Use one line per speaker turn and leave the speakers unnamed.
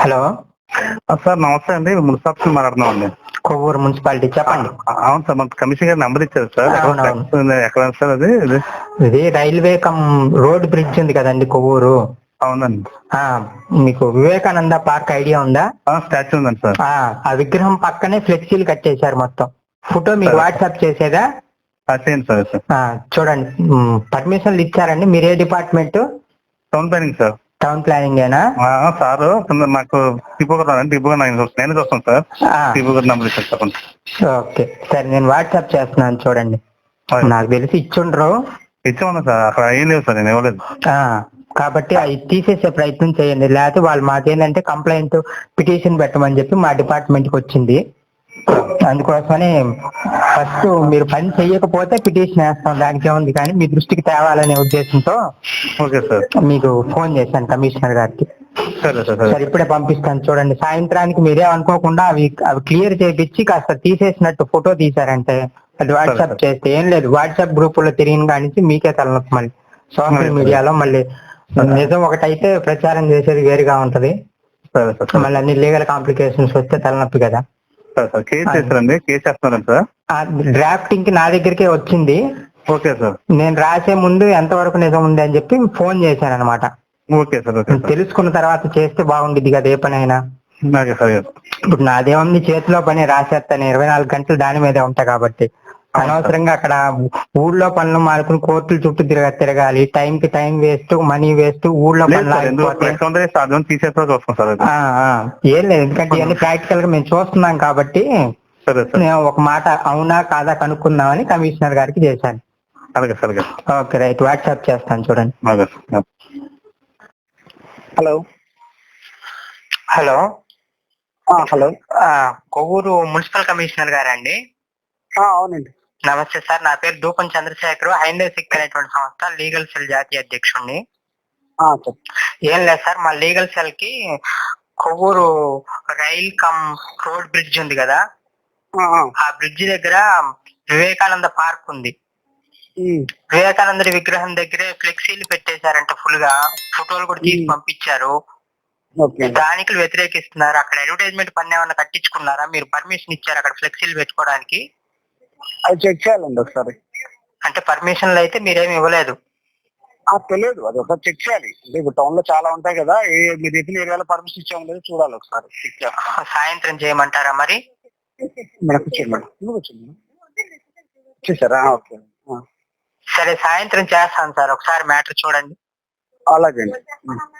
Hello
sir నమస్తే అండి, municipality మాట్లాడుతున్నామండి.
కొవ్వూరు మున్సిపాలిటీ చెప్పండి.
అవును సార్, మన కమిషనర్ గారు నెంబర్ ఇచ్చారు సార్. ఎక్కడ సార్ అది?
ఇది రైల్వే కమ్ రోడ్ బ్రిడ్జ్ ఉంది కదండి కొవ్వూరు.
అవునండి.
మీకు వివేకానంద పార్క్ ఐడియా ఉందా?
స్టాచ్యూ ఉందండి సార్.
ఆ విగ్రహం పక్కనే ఫ్లెక్సీలు కట్టేశారు మొత్తం. ఫోటో మీకు వాట్సాప్ చేసేదా?
చేయండి సార్.
చూడండి, పర్మిషన్లు ఇచ్చారండి. మీరే department?
Town planning sir.
Town planning ఏనా
సార్? నాకు టిపో నేను చూస్తాను సార్. టిపో గారు నెంబర్ ఇచ్చారు చెప్పండి.
ఓకే సరే, నేను వాట్సాప్ చేస్తున్నాను చూడండి. నాకు తెలిసి ఇచ్చుండ్రు.
ఇచ్చామన్నా సార్, అక్కడ ఏం లేవు సార్, నేను ఇవ్వలేదు.
కాబట్టి అవి తీసేసే ప్రయత్నం చేయండి. లేకపోతే వాళ్ళు మాకేంటంటే కంప్లైంట్ పిటిషన్ పెట్టమని చెప్పి మా డిపార్ట్మెంట్ కి వచ్చింది. అందుకోసమని ఫస్ట్ మీరు పని చెయ్యకపోతే పిటిషన్ వేస్తాం, దానికి ఏముంది. కానీ మీ దృష్టికి తేవాలనే ఉద్దేశంతో
ఓకే సార్
మీకు ఫోన్ చేశాను కమిషనర్ గారికి.
సరే
సరే, ఇప్పుడే పంపిస్తాను చూడండి. సాయంత్రానికి మీరే అనుకోకుండా అవి క్లియర్ చేయించి కాస్త తీసేసినట్టు ఫోటో తీసారంటే అది వాట్సాప్ చేస్తే ఏం లేదు. వాట్సాప్ గ్రూప్ లో తిరిగిన కానించి మీకే తలనొప్పి. మళ్ళీ సోషల్ మీడియాలో మళ్ళీ నిజం ఒకటైతే ప్రచారం చేసేది వేరుగా ఉంటది. మళ్ళీ అన్ని లీగల్ కాంప్లికేషన్స్ వస్తే తలనొప్పి కదా. డ్రాఫ్టింగ్ కి నా దగ్గరికే వచ్చింది.
Okay sir.
నేను రాసే ముందు ఎంతవరకు నిజం ఉంది అని చెప్పి ఫోన్ చేశాను అనమాట.
Okay sir.
తెలుసుకున్న తర్వాత చేస్తే బాగుండిద్ది కదా ఏ పనైనా. ఇప్పుడు నాదేముంది, చేతిలో పని రాసేస్తాను. 24 గంటలు దాని మీదే ఉంటా కాబట్టి అనవసరంగా అక్కడ ఊళ్ళో పనులు మానుకుని కోర్టుల చుట్టూ తిరగాలి. టైంకి టైం వేస్ట్, మనీ వేస్ట్. ఊళ్ళో పనులు ఏం లేదు, ఎందుకంటే ఇవన్నీ ప్రాక్టికల్ గా మేము చూస్తున్నాం కాబట్టి నేను ఒక మాట అవునా కాదా కనుక్కుందామని కమిషనర్ గారికి చేశాను. ఓకే రైట్, వాట్సాప్ చేస్తాను చూడండి.
Hello
hello
hello
Kovvur municipal commissioner గారండి?
అవునండి.
నమస్తే సార్, నా పేరు దూపం చంద్రశేఖర్, హైందవ సిక్ అనేటువంటి సంస్థ లీగల్ సెల్ జాతీయ అధ్యక్షుడిని. ఏం లేదు సార్, మా లీగల్ సెల్ కి Kovvur rail cum road bridge ఉంది కదా, ఆ బ్రిడ్జ్ దగ్గర వివేకానంద పార్క్ ఉంది. వివేకానందుడి విగ్రహం దగ్గరే ఫ్లెక్సీలు పెట్టేశారంట ఫుల్ గా. ఫోటోలు కూడా తీసి పంపించారు. స్థానికులు వ్యతిరేకిస్తున్నారు. అక్కడ అడ్వర్టైజ్మెంట్ పన్ను ఏమన్నా కట్టించుకున్నారా? మీరు పర్మిషన్ ఇచ్చారు అక్కడ ఫ్లెక్సీలు పెట్టుకోవడానికి?
అది చెక్ చేయాలండి ఒకసారి.
అంటే పర్మిషన్లు అయితే మీరేమి ఇవ్వలేదు?
తెలియదు, అది ఒకసారి చెక్ చేయాలి. అంటే ఇప్పుడు టౌన్ లో చాలా ఉంటాయి కదా, మీరు చెప్పిన ఏరియాలో పర్మిషన్ ఇచ్చాము లేదు చూడాలి ఒకసారి. చెక్ చేస్తాం.
సాయంత్రం చేయమంటారా మరి?
చూసారా? ఓకే
సరే, సాయంత్రం చేస్తాను సార్, ఒకసారి మ్యాటర్ చూడండి.
అలాగే.